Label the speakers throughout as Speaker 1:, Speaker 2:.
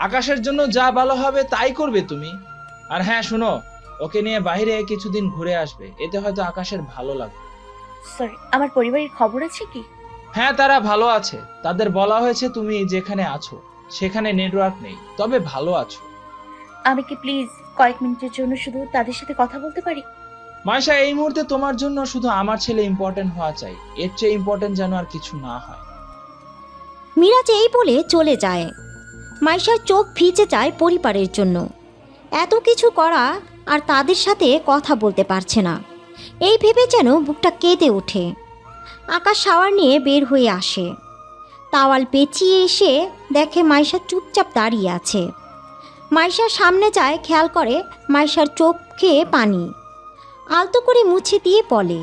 Speaker 1: আকাশের জন্য যা ভালো হবে তাই করবে তুমি। আর হ্যাঁ শোনো, ওকে নিয়ে বাইরে কিছুদিন ঘুরে আসবে, এতে হয়তো আকাশের ভালো লাগবে।
Speaker 2: সরি, আমার পরিবারের খবর আছে কি?
Speaker 1: হ্যাঁ, তারা ভালো আছে। তাদের বলা হয়েছে তুমি যেখানে আছো সেখানে নেটওয়ার্ক নেই, তবে ভালো আছো।
Speaker 2: আমি কি প্লিজ কয়েক মিনিটের জন্য শুধু তাদের সাথে কথা বলতে পারি?
Speaker 1: মাইশা, এই মুহূর্তে তোমার জন্য শুধু আমার ছেলে ইম্পর্টেন্ট হওয়া চাই, এর চেয়ে ইম্পর্টেন্ট যেন আর কিছু না হয়।
Speaker 3: মিরাজ এই বলে চলে যায়। মাইশার চোখ ভিজে যায় পরিবারের জন্য। এত কিছু করা আর তাদের সাথে কথা বলতে পারছে না, এই ভেবে যেন বুকটা কেঁদে ওঠে। আকাশ শাওয়ার নিয়ে বের হয়ে আসে। তাওয়াল পেঁচিয়ে এসে দেখে মাইশা চুপচাপ দাঁড়িয়ে আছে। মাইশার সামনে যায়, খেয়াল করে মাইশার চোখে পানি। আলতো করে মুছে দিয়ে বলে,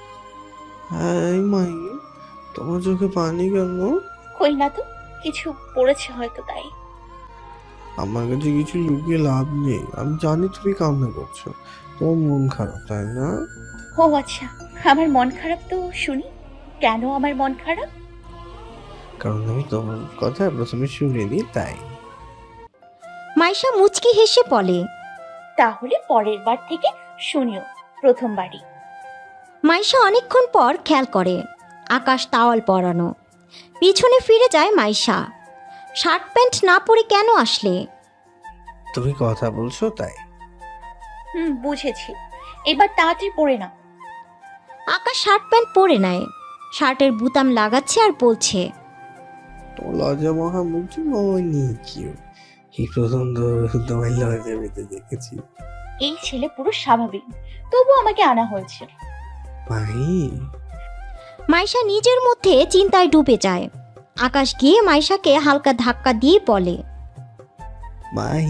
Speaker 4: হ্যাঁ মাই, তোমার চোখে পানি কেন?
Speaker 2: কই না তো, কিছু পড়েছে হয়তো তাই।
Speaker 4: আমার কাছে কিছু লুকিয়ে লাভ নেই, আমি জানি তুমি কান্না করছো, তোমার মন খারাপ তাই না?
Speaker 2: ও আচ্ছা, আমার মন খারাপ তো শুনি। কেন আমার মন খারাপ?
Speaker 4: কারণ আমি তোমার কথা প্রথমে শুনিনি তাই।
Speaker 3: মাইশা মুচকি হেসে বলে,
Speaker 2: তাহলে পরের বার থেকে শুনিও, প্রথমবারই।
Speaker 3: মাইশা অনেকক্ষণ পর খেয়াল করে আকাশ তাওয়াল পরানো। পিছনে ফিরে যায় মাইশা। শার্ট প্যান্ট না পরে কেন আসলে?
Speaker 4: তুমি কথা বলছো তাই।
Speaker 2: বুঝেছি, এবার তাড়াতাড়ি পড়ে না।
Speaker 3: আকাশ শার্ট প্যান্ট পরে নেয়, শার্টের বুতাম লাগাচ্ছে আর বলছে,
Speaker 4: তোমার লজ্জা মহা মুক্তি হয়নি কিউ, এই প্রথম তো তোমার লজ্জা পেতে দেখেছি।
Speaker 2: এই ছেলে পুরো স্বাভাবিক, তবু আমাকে আনা হয়েছে।
Speaker 4: ভাই,
Speaker 3: মাইশা নিজের মধ্যে চিন্তায় ডুবে যায়। আকাশ গিয়ে মাইশাকে হালকা ধাক্কা দিয়ে বলে,
Speaker 4: মাই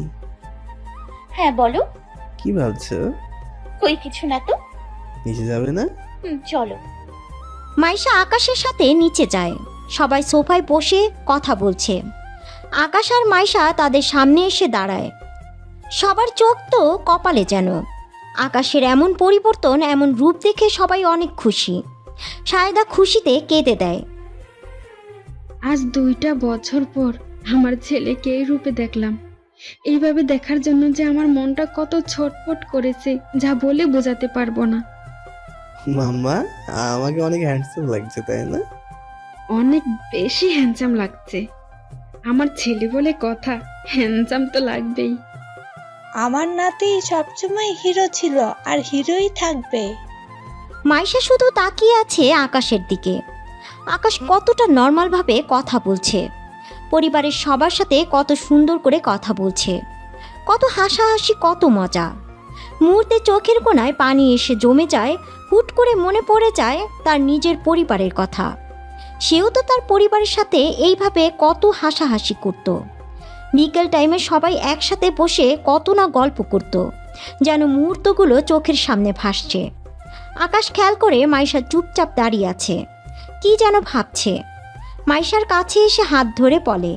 Speaker 2: হ্যাঁ বলো।
Speaker 4: কি ভাবছো?
Speaker 2: কই কিছু না তো।
Speaker 4: নিচে যাবে না?
Speaker 2: চলো।
Speaker 3: মাইশা আকাশের সাথে নিচে যায়। সবাই সোফায় বসে কথা বলছে। আকাশ আর মাইশা তাদের সামনে এসে দাঁড়ায়। সবার চোখ তো কপালে যেন। আকাশের এমন পরিবর্তন, এমন রূপ দেখে সবাই অনেক খুশি। সায়দা খুশিতে কেঁদে দেয়।
Speaker 5: আজ 2টা বছর পর আমার ছেলেকে এই রূপে দেখলাম। এইভাবে দেখার জন্য যে আমার মনটা কত ছটফট করেছে, যা বলে বোঝাতে পারবো না।
Speaker 4: মাম্মা, আমাকে অনেক হ্যান্ডসাম লাগছে তাই না?
Speaker 5: অনেক বেশি হ্যান্ডসাম লাগছে। আমার ছেলে বলে কথা, হ্যান্ডসাম তো লাগবেই।
Speaker 6: আমার নাতি সবসময় হিরো ছিল আর হিরোই থাকবে।
Speaker 3: মাইশা শুধু তাকিয়ে আছে আকাশের দিকে। আকাশ কতটা নর্মালভাবে কথা বলছে, পরিবারের সবার সাথে কত সুন্দর করে কথা বলছে, কত হাসাহাসি, কত মজা। মুহূর্তে চোখের কোণায় পানি এসে জমে যায়। হুট করে মনে পড়ে যায় তার নিজের পরিবারের কথা। সেও তো তার পরিবারের সাথে এইভাবে কত হাসাহাসি করত। বিকেল টাইমে সবাই একসাথে বসে কত না গল্প করত, যেন মুহূর্তগুলো চোখের সামনে ভাসছে। আকাশ খেয়াল করে মাইশা চুপচাপ দাঁড়িয়ে আছে, কি যেন ভাবছে। মাইশার কাছে এসে হাত ধরে বলে,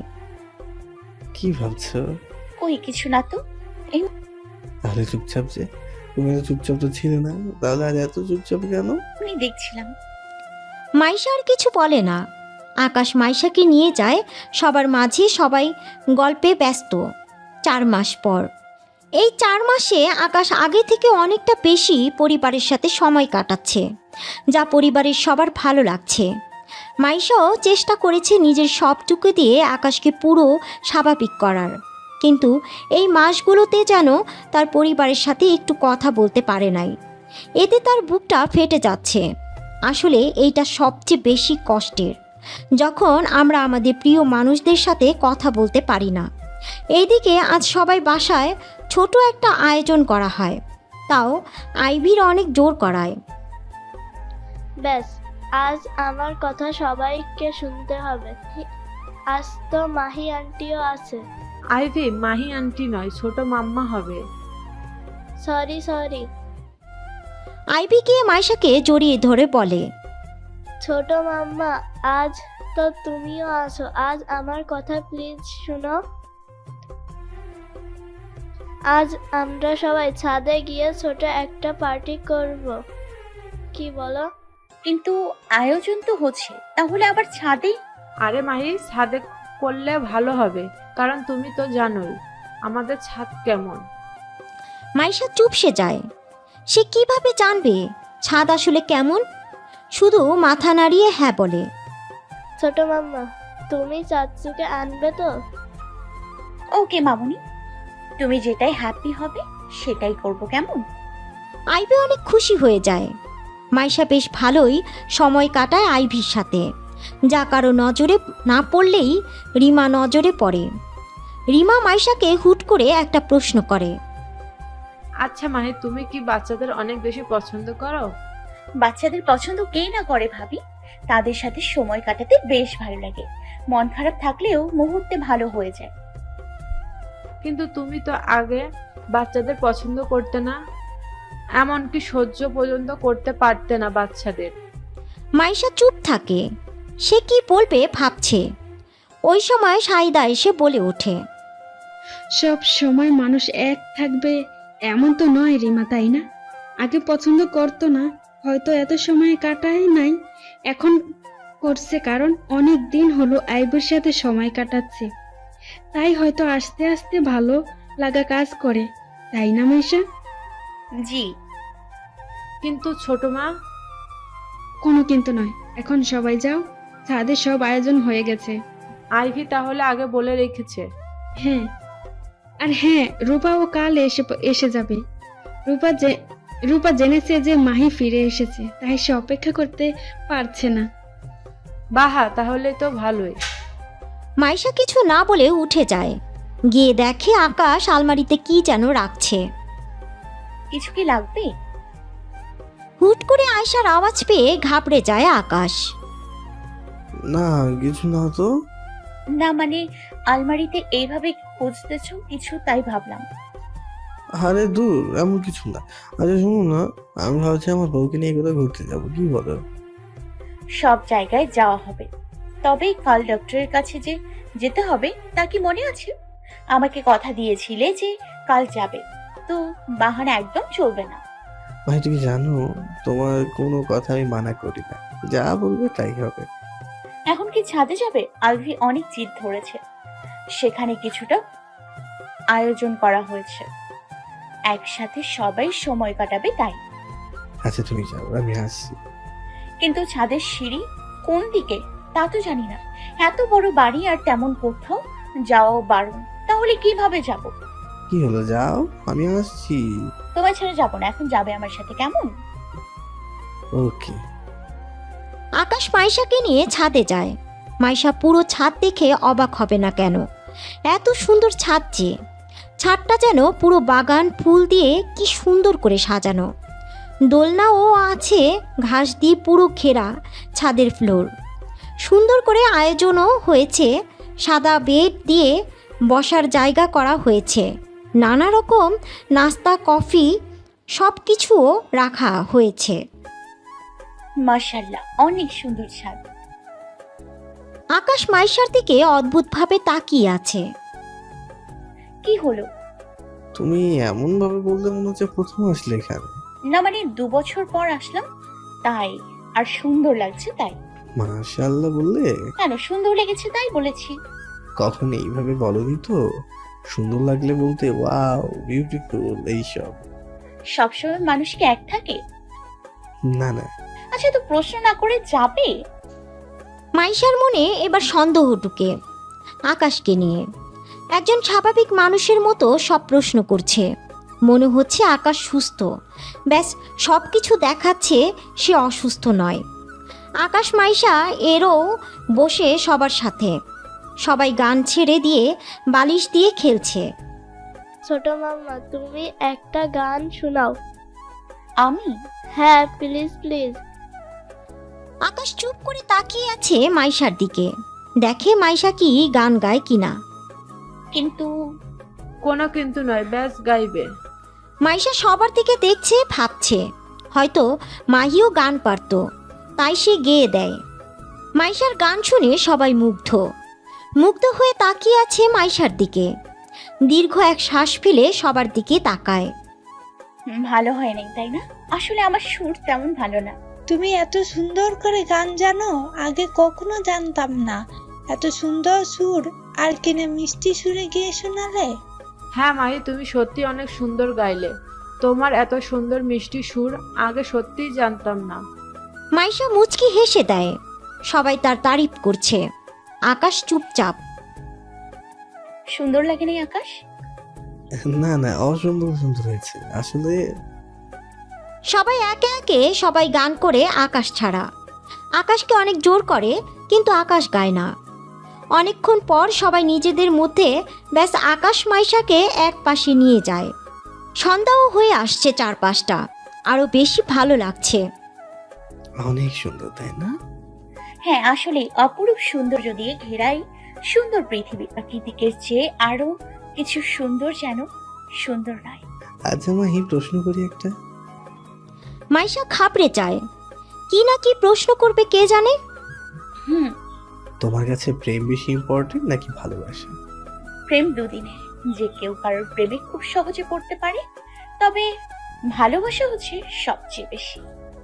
Speaker 4: কি ভাবছো?
Speaker 2: কই কিছু না তো।
Speaker 4: তাহলে চুপচাপ যে, তুমি তো চুপচাপ তো ছিলে না, তাহলে আর এত চুপচাপ কেন?
Speaker 2: আমি দেখছিলাম।
Speaker 3: মাইশা আর কিছু বলে না। আকাশ মাইশাকে নিয়ে যায় সবার মাঝে। সবাই গল্পে ব্যস্ত। 4 মাস পর। এই 4 মাসে আকাশ আগে থেকে অনেকটা বেশি পরিবারের সাথে সময় কাটাচ্ছে, যা পরিবারের সবার ভালো লাগছে। মাইশাও চেষ্টা করেছে নিজের সবটুকু দিয়ে আকাশকে পুরো স্বাভাবিক করার, কিন্তু এই মাসগুলোতে যেন তার পরিবারের সাথে একটু কথা বলতে পারে নাই। এতে তার বুকটা ফেটে যাচ্ছে। আসলে এইটা সবচেয়ে বেশি কষ্টের, যখন আমরা আমাদের প্রিয় মানুষদের সাথে কথা বলতে পারি না। এইদিকে আজ সবাই বাসায় ছোট একটা আয়োজন করা হয়, তাও আইভির অনেক জোর করায়।
Speaker 7: ব্যাস, আজ আমার কথা সবাইকে শুনতে হবে। আজ তো মাহি আন্টিও আছে।
Speaker 8: আইভি মাহি আন্টি নয়, ছোট মাম্মা হবে।
Speaker 7: সরি।
Speaker 3: আইভি গিয়ে মাইশাকে জড়িয়ে ধরে বলে,
Speaker 7: ছোট মাম্মা, আজ তো তুমিও আছো। আজ আমার কথা প্লিজ শুনো। আজ আমরা সবাই ছাদে গিয়ে ছোট একটা পার্টি করব, কি বলো?
Speaker 2: কিন্তু আয়োজন তো হচ্ছে, তাহলে আবার ছাদে?
Speaker 8: আরে মাহি, ছাদে করলে ভালো হবে, কারণ তুমি তো জানোই আমাদের ছাদ কেমন।
Speaker 3: মাইশা চুপসে যায়। সে কিভাবে জানবে ছাদ আসলে কেমন? শুধু মাথা নাড়িয়ে হ্যাঁ বলে।
Speaker 7: ছোট মাম্মা, তুমি চাচুকে আনবে তো?
Speaker 2: ওকে মামুনি, তুমি যেটাই হ্যাপি হবে সেটাই করব, কেমন?
Speaker 3: আইভি অনেক খুশি হয়ে যায়। মাইশা বেশ ভালোই সময় কাটায় আইভির সাথে, যা কারো নজরে না পড়লেই রিমা নজরে পড়ে। রিমা মাইশাকে হুট করে একটা প্রশ্ন করে।
Speaker 8: আচ্ছা মাহি, তুমি কি বাচ্চাদের অনেক বেশি পছন্দ করো?
Speaker 2: বাচ্চাদের পছন্দ কে না করে ভাবি, তাদের সাথে সময় কাটাতে বেশ ভালো লাগে। মন খারাপ থাকলেও মুহূর্তে ভালো হয়ে যায়।
Speaker 8: কিন্তু তুমি তো আগে বাচ্চাদের পছন্দ করতে না, এমনকি সহ্য পর্যন্ত করতে পারতে না বাচ্চাদের।
Speaker 3: মাইশা চুপ থাকে। সে কি বলবে ভাবছে। ওই সময় সাইদা এসে বলে ওঠে।
Speaker 5: সব সময় মানুষ এক থাকবে এমন তো নয় রিমা, তাই না? আগে পছন্দ করতো না, হয়তো এত সময় কাটায় নাই, এখন করছে, কারণ অনেক দিন হলো আইবুর সাথে সময় কাটাচ্ছে, তাই হয়তো আস্তে আস্তে ভালো লাগা কাজ করে, তাই না মাইশা?
Speaker 2: জি।
Speaker 8: কিন্তু ছোট মা,
Speaker 5: কোনো কিন্তু নয়, এখন সবাই যাও, ছাদে সব আয়োজন হয়ে গেছে।
Speaker 8: আইভি তাহলে আগে বলে রেখেছে।
Speaker 5: হ্যাঁ, আর হ্যাঁ, রূপাও কাল এসে যাবে। রূপা জেনেছে যে মাহি ফিরে এসেছে, তাই সে অপেক্ষা করতে পারছে না।
Speaker 8: বাহা, তাহলে তো ভালোই।
Speaker 3: মাইশা কিছু না বলে উঠে যায়। গিয়ে দেখে আকাশ আলমারিতে কি যেন রাখছে।
Speaker 2: কিছু কি লাগবে?
Speaker 3: হুট করে আয়শার আওয়াজ পেয়ে ঘাবড়ে যায় আকাশ।
Speaker 4: না, কিছু না তো।
Speaker 2: না মানে আলমারিতে এইভাবে খুঁজতেছো কিছু, তাই ভাবলাম।
Speaker 4: আরে দূর, এমন কিছু না। আচ্ছা শুনো না, আমি ভাবছি আমার বউকে নিয়ে কোথাও ঘুরতে যাবো, কি বলো?
Speaker 2: সব জায়গায় যাওয়া হবে, তবে কাল ডক্টরের কাছে যে যেতে হবে তা কি মনে আছে? আমাকে কথা দিয়েছিলে যে কাল যাবে, তো বাহানা একদম চলবে না।
Speaker 4: ভাই তুমি জানো, তোমার কোনো কথা আমি মানা করি না, যা বলবে তাই হবে।
Speaker 2: এখন কি ছাদে যাবে? আলভি অনেক জিদ ধরেছে, সেখানে কিছুটা আয়োজন করা হয়েছে, একসাথে সবাই সময় কাটাবে তাই।
Speaker 4: আচ্ছা তুমি যাও, আমি আসছি।
Speaker 2: কিন্তু ছাদের সিঁড়ি কোন দিকে তা তো জানি না, এত বড় বাড়ি আর তেমন কোথাও যাওয়াও বারণ, তাহলে কিভাবে যাব?
Speaker 4: কি হলো, যাও, আমি আসছি।
Speaker 2: তোমার ছেড়ে যাবো না, এখন যাবে আমার সাথে, কেমন?
Speaker 4: ওকে।
Speaker 3: আকাশ মাইশাকে নিয়ে ছাদে যায়। মাইশা পুরো ছাদ দেখে অবাক হবে না কেন, এত সুন্দর ছাদ যে। ছাদটা যেন পুরো বাগান ফুল দিয়ে কি সুন্দর করে সাজানো। দোলনাও আছে, ঘাস দিয়ে পুরো ঘেরা ছাদের ফ্লোর। সুন্দর করে আয়োজনও হয়েছে, সাদা বেড দিয়ে বসার জায়গা করা হয়েছে, নানা রকম নাস্তা কফি সব কিছুও রাখা হয়েছে।
Speaker 2: মাশাআল্লাহ, অনেক সুন্দর ছাদ।
Speaker 3: আকাশ মাইশার দিকে অদ্ভুতভাবে তাকিয়ে আছে।
Speaker 2: কি হলো?
Speaker 4: তুমি এমন ভাবে বলতে মনে হচ্ছে প্রথম আসলে এখানে।
Speaker 2: না মানে 2 বছর পর আসলাম তাই, আর সুন্দর লাগছে তাই।
Speaker 4: মাশাআল্লাহ বললে?
Speaker 2: কেন, সুন্দর লেগেছে তাই বলেছি।
Speaker 4: কখন এইভাবে বলনি তো, সুন্দর লাগলে বলতে ওয়াও বিউটিফুল এইসব।
Speaker 2: সবসময় মানুষ কি এক থাকে?
Speaker 4: না না।
Speaker 2: আচ্ছা, তো প্রশ্ন না করে যাবে?
Speaker 3: মাইশার মনে এবার সন্দেহ ঢুকে আকাশকে নিয়ে। একজন স্বাভাবিক মানুষের মতো সব প্রশ্ন করছে। মনে হচ্ছে আকাশ সুস্থ, ব্যাস সব কিছু দেখাচ্ছে সে অসুস্থ নয়। আকাশ মাইশা এরও বসে সবার সাথে, সবাই গান ছেড়ে দিয়ে বালিশ দিয়ে খেলছে।
Speaker 7: ছোট মাম্মা, তুমি একটা গান শোনাও।
Speaker 2: আমি?
Speaker 7: হ্যাঁ, প্লিজ প্লিজ।
Speaker 3: আকাশ চুপ করে তাকিয়ে আছে মাইশার দিকে, দেখে মাইশা কি গান গায় কিনা।
Speaker 2: কিন্তু
Speaker 8: কোনো কিন্তু নয়, ব্যাস গাইবে।
Speaker 3: মাইশা সবার দিকে দেখছে, ভাবছে হয়তো মাহিও গান পারত, তাই সে গেয়ে দেয়। মাইশার গান শুনে সবাই মুগ্ধ হয়ে তাকিয়ে আছে মাইশার দিকে। দীর্ঘ এক শ্বাস ফেলে সবার দিকে তাকায়।
Speaker 2: ভালো হয় নাই তাই না? আসলে আমার সুর তেমন ভালো না।
Speaker 6: তুমি এত সুন্দর করে গান জানো, আগে কখনো জানতাম না। এত সুন্দর সুর আর কিনা মিষ্টি সুরে গিয়ে শোনালে।
Speaker 8: হ্যাঁ মাহি, তুমি সত্যি অনেক সুন্দর গাইলে। তোমার এত সুন্দর মিষ্টি সুর আগে সত্যিই জানতাম না।
Speaker 3: মাইশা মুচকি হেসে দেয়। সবাই তার তারিফ করছে। আকাশ চুপচাপ।
Speaker 2: সুন্দর লাগেনি আকাশ?
Speaker 4: না না, অসম্ভব সুন্দর হয়েছে আসলে।
Speaker 3: সবাই একে একে সবাই গান করে আকাশ ছাড়া। আকাশকে অনেক জোর করে, কিন্তু আকাশ গায় না। অনেকক্ষণ পর সবাই নিজেদের মধ্যে ব্যাস আকাশ মাইশাকে এক পাশে নিয়ে যায়। সন্ধ্যাও হয়ে আসছে চারপাশটা, আরো বেশি ভালো লাগছে।
Speaker 4: অনেক সুন্দর, তাই না?
Speaker 2: হ্যাঁ, আসলে অপরূপ সৌন্দর্য দিয়ে ঘেরাই সুন্দর পৃথিবী। প্রাকৃতিকের চেয়ে আরো কিছু সুন্দর যেন সুন্দর নয়।
Speaker 4: আচ্ছা মাহি, প্রশ্ন করি একটা।
Speaker 3: মাইশা খাবড়ে যায়। কি না কি প্রশ্ন করবে কে জানে।
Speaker 2: হুম,
Speaker 4: তোমার কাছে প্রেম বেশি ইম্পর্টেন্ট নাকি ভালোবাসা?
Speaker 2: প্রেম দুদিনের। যে কেউ কারোর প্রেমে খুব সহজে পড়তে পারে, তবে ভালোবাসা হচ্ছে সবচেয়ে বেশি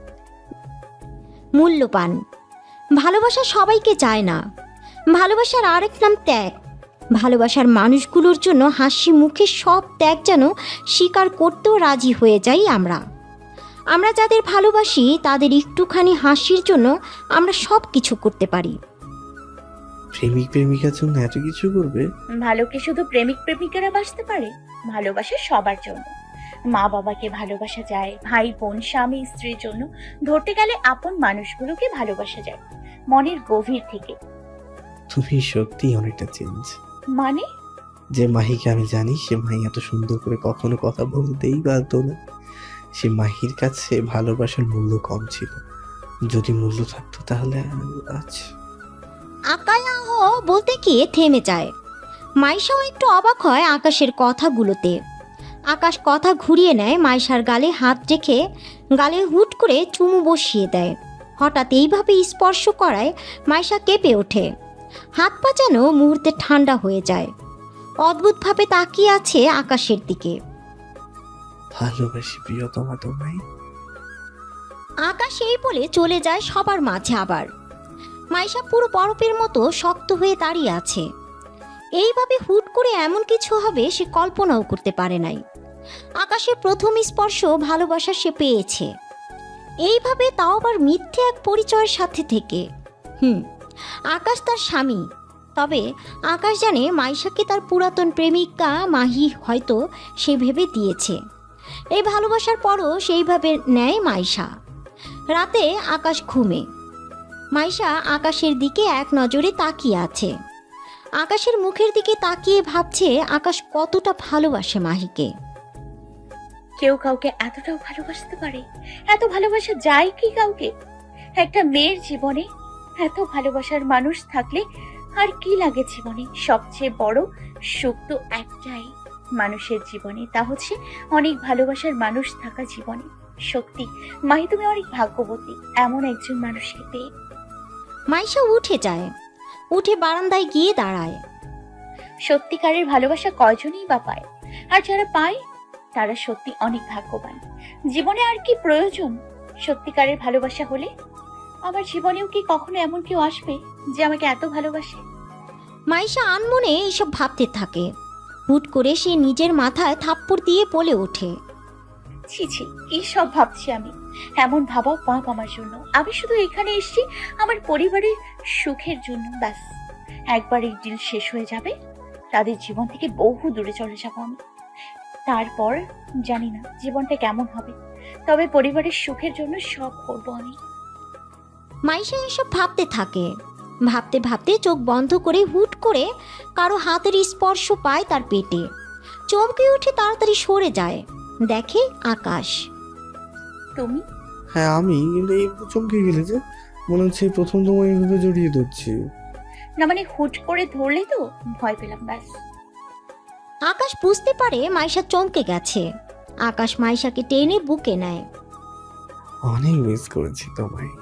Speaker 3: মূল্যবান। ভালোবাসা সবাইকে চায় না। ভালোবাসার আরেক নাম ত্যাগ। ভালোবাসার মানুষগুলোর জন্য হাসি মুখে সব ত্যাগ যেন স্বীকার করতেও রাজি হয়ে যাই আমরা। আমরা যাদের ভালোবাসি তাদের একটুখানি হাসির জন্য আমরা সব কিছু করতে পারি।
Speaker 4: প্রেমিক প্রেমিকার জন্য এত কিছু করবে?
Speaker 2: ভালো কি শুধু প্রেমিক প্রেমিকারা বাসতে পারে? ভালোবাসা সবার জন্য। মা বাবাকে ভালোবাসা যায়, ভাই বোন, স্বামী স্ত্রীর জন্য, ধরতে গেলে আপন মানুষগুলোকে ভালোবাসা যায় মনের গভীর থেকে।
Speaker 4: তুমি সত্যি অনেকটা চেঞ্জ।
Speaker 2: মানে?
Speaker 4: যে মাহিকে আমি জানি, সে মাহি এত সুন্দর করে কখনো কথা বলতেই পারতো না। সে মাহির কাছে ভালোবাসার মূল্য কম ছিল। যদি মূল্য থাকতো তাহলে আজ।
Speaker 3: আকায়াহ বলতে গিয়ে থেমে যায়। মাইশাও একটু অবাক হয় আকাশের কথাগুলোতে। আকাশ কথা ঘুরিয়ে নেয়, মাইশার গালে হাত রেখে গালে হুট করে চুমু বসিয়ে দেয়। হঠাৎ এইভাবে স্পর্শ করায় মাইশা কেঁপে ওঠে। হাত পা যেন মুহূর্তে ঠান্ডা হয়ে যায়। অদ্ভুতভাবে তাকিয়ে আছে আকাশের দিকে।
Speaker 4: ভালোবাসি প্রিয়তমা তোমায়।
Speaker 3: আকাশ এই বলে চলে যায় সবার মাঝে আবার। মাইশা পুরো বরফের মতো শক্ত হয়ে দাঁড়িয়ে আছে। এইভাবে হুট করে এমন কিছু হবে সে কল্পনাও করতে পারে নাই। আকাশের প্রথম স্পর্শ ভালোবাসা সে পেয়েছে, এইভাবে তাও আবার মিথ্যে এক পরিচয়ের সাথে থেকে। আকাশ তার স্বামী, তবে আকাশ জানে মাইশাকে তার পুরাতন প্রেমিকা মাহি হয়তো সে ভেবে দিয়েছে। এই ভালোবাসার পরও সেইভাবে নেয় মাইশা। রাতে আকাশ ঘুমে। মাইশা আকাশের দিকে এক নজরে তাকিয়ে আছে। আকাশের মুখের দিকে তাকিয়ে ভাবছে আকাশ কতটা ভালোবাসে মাহিকে।
Speaker 2: কেউ কাউকে এতটাও ভালোবাসতে পারে? এত ভালোবাসা যায় কি কাউকে? একটা মেয়ের জীবনে এত ভালোবাসার মানুষ থাকলে আর কি লাগে জীবনে? সবচেয়ে বড় সুখ তো একটাই মানুষের জীবনে, তা হচ্ছে অনেক ভালোবাসার মানুষ থাকা জীবনে। সত্যি মাহি, তুমি অনেক ভাগ্যবতী এমন একজন মানুষকে পেয়ে।
Speaker 3: মাইশা উঠে যায়, উঠে বারান্দায় গিয়ে দাঁড়ায়।
Speaker 2: সত্যিকারের ভালোবাসা কয়জনই বা পায়? আর যারা পায় তারা সত্যি অনেক ভাগ্যবান। জীবনে আর কি প্রয়োজন? সত্যিকারের ভালোবাসা হলে আমার জীবনেও কি কখনো এমন কেউ আসবে যে আমাকে এত ভালোবাসে?
Speaker 3: মাইশা আনমনে এইসব ভাবতে থাকে। হুট করে সে নিজের মাথায় থাপ্পড় দিয়ে বলে ওঠে,
Speaker 2: ছি ছি, কি সব ভাবছি আমি? এমন ভাবা পাপ আমার জন্য। আমি শুধু এখানে এসেছি আমার পরিবারের সুখের জন্য, ব্যাস। একবার এই ডিল শেষ হয়ে যাবে, তাদের জীবন থেকে বহু দূরে চলে যাব আমি। তারপর জানি না জীবনটা কেমন হবে, তবে পরিবারের সুখের জন্য সব করব আমি।
Speaker 3: মাইশা এসব ভাবতে থাকে। ভাবতে ভাবতে চোখ বন্ধ করে হুট করে কারো হাতের স্পর্শ পায় তার পেটে। চমকে উঠে তাড়াতাড়ি সরে যায়, দেখে আকাশ।
Speaker 2: তুমি?
Speaker 4: হ্যাঁ আমি, কিন্তু এই চমকে গেলে যে মনে হচ্ছে প্রথম তোমায় এইভাবে জড়িয়ে ধরছি।
Speaker 2: না মানে হুট করে ধরলে তো ভয় পেলাম, ব্যাস।
Speaker 3: আকাশ বুঝতে পারে মাইশা চমকে গেছে। আকাশ মাইশাকে টেনে বুকে নেয়।
Speaker 4: অনেক মিস করেছি তোমায়।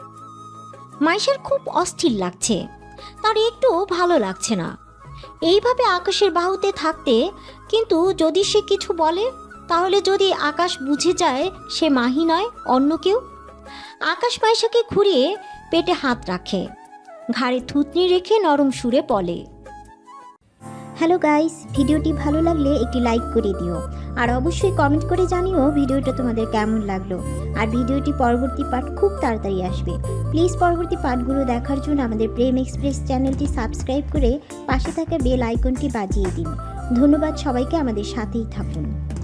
Speaker 3: মাইশার খুব অস্থির লাগছে, তার একটু ভালো লাগছে না এইভাবে আকাশের বাহুতে থাকতে। কিন্তু যদি সে কিছু বলে, তাহলে যদি আকাশ বুঝে যায় সে মাহি নয় অন্য কেউ। আকাশ মাইশাকে ঘুরিয়ে পেটে হাত রাখে। ঘাড়ে থুতনি রেখে নরম সুরে বলে, হ্যালো গাইস, ভিডিওটি ভালো লাগলে একটি লাইক করে দিও আর অবশ্যই কমেন্ট করে জানিও ভিডিওটা তোমাদের কেমন লাগলো। আর ভিডিওটি পরবর্তী পার্ট খুব তাড়াতাড়ি আসবে। প্লিজ পরবর্তী পার্টগুলো দেখার জন্য আমাদের প্রেম এক্সপ্রেস চ্যানেলটি সাবস্ক্রাইব করে পাশে থাকা বেল আইকনটি বাজিয়ে দিন। ধন্যবাদ সবাইকে, আমাদের সাথেই থাকুন।